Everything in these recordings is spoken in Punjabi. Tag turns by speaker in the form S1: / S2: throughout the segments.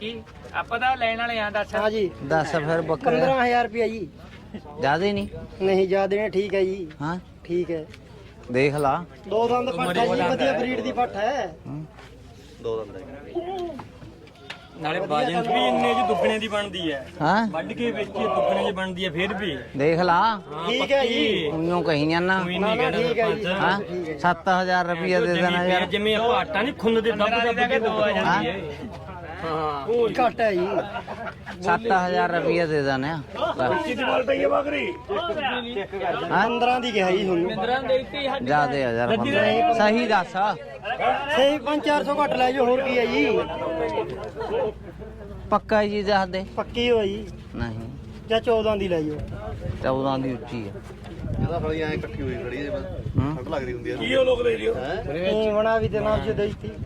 S1: ਆਪਾਂ ਤਾਂ ਲੈਣ ਵਾਲੇ ਆ ਦੱਸ।
S2: हाँ जी
S3: दस फिर बकरा
S2: 15,000 रुपया जी।
S3: ज्यादा ही नहीं।
S2: नहीं ज्यादा नहीं, ठीक है जी।
S3: हाँ
S2: ठीक है।
S3: देख ला।
S2: दो दंद पट्ट है जी, वधिया ब्रीड दी पट्ट है।
S4: ਦੋ ਦੰਦ ਹੈ
S5: ਨਾਲੇ ਬਾਜਨ ਵੀ ਇੰਨੇ ਚ ਦੁੱਗਣੇ ਦੀ ਬਣਦੀ ਹੈ।
S3: हाँ
S5: ਵੱਢ ਕੇ ਵੇਚੀਏ ਦੁੱਗਣੇ ਦੀ ਬਣਦੀ ਹੈ ਫਿਰ ਵੀ।
S3: देख ला।
S2: ठीक है जी।
S3: उन्हों कहीं जाना।
S5: ਕੋਈ
S2: ना
S5: ਨਹੀਂ
S2: ना ठीक है जी।
S3: हाँ
S2: ठीक है।
S3: 7,000 रुपया दे देना यार।
S5: ਜਿਵੇਂ ਆਪਾਂ ਆਟਾ ਨਹੀਂ ਖੁੰਨ ਦੇ ਦੱਬ ਕੇ ਦੋ ਆ ਜਾਂਦੀ ਹੈ। ਹਾਂ
S2: घट है जी।
S3: 7,000 रुपया दे देना। हाँ
S2: 15 दी क्या है जी हुन।
S3: ज्यादा यार सही दस।
S2: सही 500-400 घट ले जो, होर की है जी।
S3: पक्का जी दस दे।
S2: पक्की हो जी।
S3: नहीं
S2: ਜਾਂ 14 ਦੀ ਲੈ ਜਾਓ।
S3: 14 ਦੀ ਉੱਚੀ ਹੈ।
S4: ਇਹਦਾ ਫਲੀ ਐ ਇਕੱਠੀ ਹੋਈ ਖੜੀ ਹੈ
S3: ਹੂੰ
S4: ਠੰਡ ਲੱਗਦੀ ਹੁੰਦੀ ਹੈ
S5: ਕੀ ਉਹ ਲੋਕ ਲੈ ਲਿਓ।
S2: ਇਹ ਬਣਾ ਵੀ ਤੇ ਨਾਮ ਚ ਦੇਈ ਤੀ।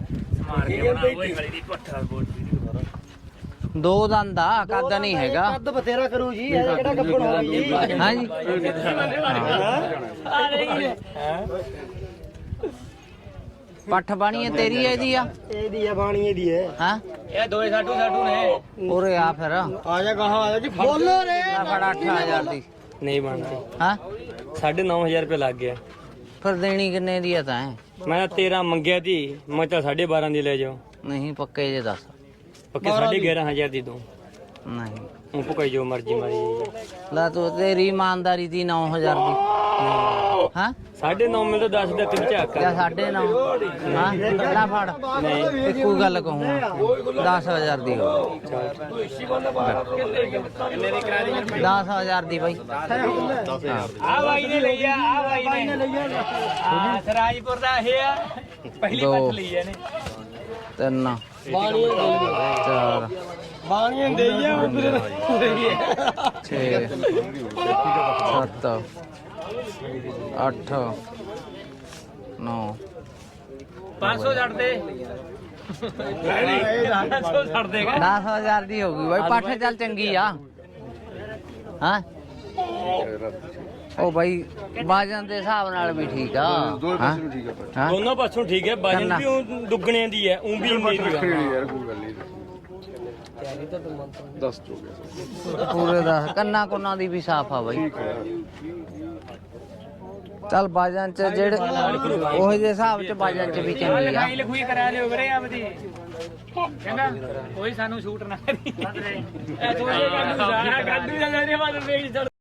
S3: ਦੋ ਦੰਦ ਆ, ਕੱਦ ਨਹੀਂ ਹੈਗਾ।
S2: ਕੱਦ ਬਥੇਰਾ ਕਰੂ ਜੀ, ਇਹ ਕਿਹੜਾ ਗੱਪਣ ਹੋ ਗਈ ਜੀ।
S3: ਹਾਂ ਜੀ ਪੱਠ ਬਾਣੀ ਹੈ ਤੇਰੀ ਹੈ ਇਹਦੀ ਆ।
S2: ਇਹਦੀ ਹੈ ਬਾਣੀ ਇਹਦੀ ਹੈ।
S3: ਹਾਂ
S1: ਇਹ ਦੋਏ ਸਾਡੂ ਨੇ।
S3: ਉਰੇ ਆ ਫਿਰ
S2: ਆ ਜਾ ਗਾਹਾਂ ਆ ਜਾ ਜੀ, ਬੋਲੋ ਰੇ।
S3: ਆ ਫੜ 8,000 ਦੀ।
S5: ਨਹੀਂ ਬਣਦੀ।
S3: ਹਾਂ
S5: 9,500 ਰੁਪਏ ਲੱਗ ਗਿਆ।
S3: ਫਿਰ ਦੇਣੀ ਕਿੰਨੇ ਦੀ ਆ ਤਾਂ
S5: ਮੈਂ 13 ਮੰਗਿਆ ਦੀ, ਮੈਂ ਤਾਂ 12.5 ਦੀ ਲੈ ਜਾਓ।
S3: ਨਹੀਂ ਪੱਕੇ ਜੇ ਦੱਸ।
S5: ਪੱਕੇ 11,500 ਦੀ ਦੋ।
S3: ਨਹੀਂ
S5: ਉਹ ਪਕਾਈ ਜੋ ਮਰਜ਼ੀ ਮਾਰੀ ਜਾਈਏ।
S3: ਲੈ ਤੂੰ ਤੇਰੀ ਇਮਾਨਦਾਰੀ ਦੀ 9,000 ਦੀ। ਹਾਂ
S5: 9.5 ਮਿਲਦਾ 10 ਦਾ ਤਿੰਨ ਝਾਕਾ।
S3: ਜਾਂ 9.5 ਹਾਂ ਲੈ ਫੜ। ਨਹੀਂ ਇੱਕੋ ਗੱਲ ਕਹੂੰਗਾ 10,000 ਦੀ ਹੋ। 10,000 ਦੀ ਬਾਈ।
S1: ਆ ਬਾਈ ਨੇ ਲਈ ਆ, ਆ ਬਾਈ ਨੇ ਲਈ ਆ। ਸਰਾਜਪੁਰ ਦਾ ਇਹ ਆ, ਪਹਿਲੀ
S3: ਦੋ।
S1: ਪੱਟ ਲਈ ਇਹਨੇ।
S3: 3
S2: ਬਾਣੀ
S3: 4
S2: ਬਾਣੀ ਦੇ ਜਾ ਉਧਰ।
S3: 6 7 8 9
S1: 500 ਛੱਡ ਦੇ। 500 ਛੱਡ ਦੇਗਾ।
S3: 10,000 ਦੀ ਹੋ ਗਈ ਬਾਈ। ਪੱਠ ਚੱਲ ਚੰਗੀ ਆ। ਹਾਂ ਉਹ ਬਾਈ ਬਾਜਨ ਦੇ ਹਿਸਾਬ ਨਾਲ ਵੀ ਠੀਕ ਆ। ਹਾਂ ਹਾਂ
S5: ਦੋਨੋਂ ਪਾਸੋਂ ਠੀਕ ਹੈ। ਬਾਜਨ ਵੀ ਊਂ ਦੁੱਗਣਿਆਂ ਦੀ ਹੈ, ਉਹ ਵੀ ਮੇਰੀ ਹੈ।
S4: ਯਾਰ ਕੋਈ ਗੱਲ ਨਹੀਂ ਦੱਸ ਦੋ
S3: ਪੂਰੇ 10 ਕੰਨਾ ਕੁੰਨਾ ਦੀ ਵੀ ਸਾਫ ਆ ਬਾਈ। ਚੱਲ ਬਾਜਨ ਚ ਜਿਹੜੇ ਉਹ ਜਿਹੇ ਹਿਸਾਬ ਚ ਬਾਜਨ ਚ ਵੀ ਚੰਗੀ ਆ।
S1: ਲਿਖਾਈ ਲਿਖੂਈ ਕਰਾ ਲਿਓ ਵੀਰੇ ਆਪਦੀ। ਕਹਿੰਦਾ ਕੋਈ ਸਾਨੂੰ ਸ਼ੂਟ ਨਾ ਕਰੀ। ਇਹ ਥੋੜੇ ਗੱਡੂ ਸਾਰਾ ਗੱਡੂ ਦਾ ਮੇਰੇ ਬਾਦ ਵੇਚ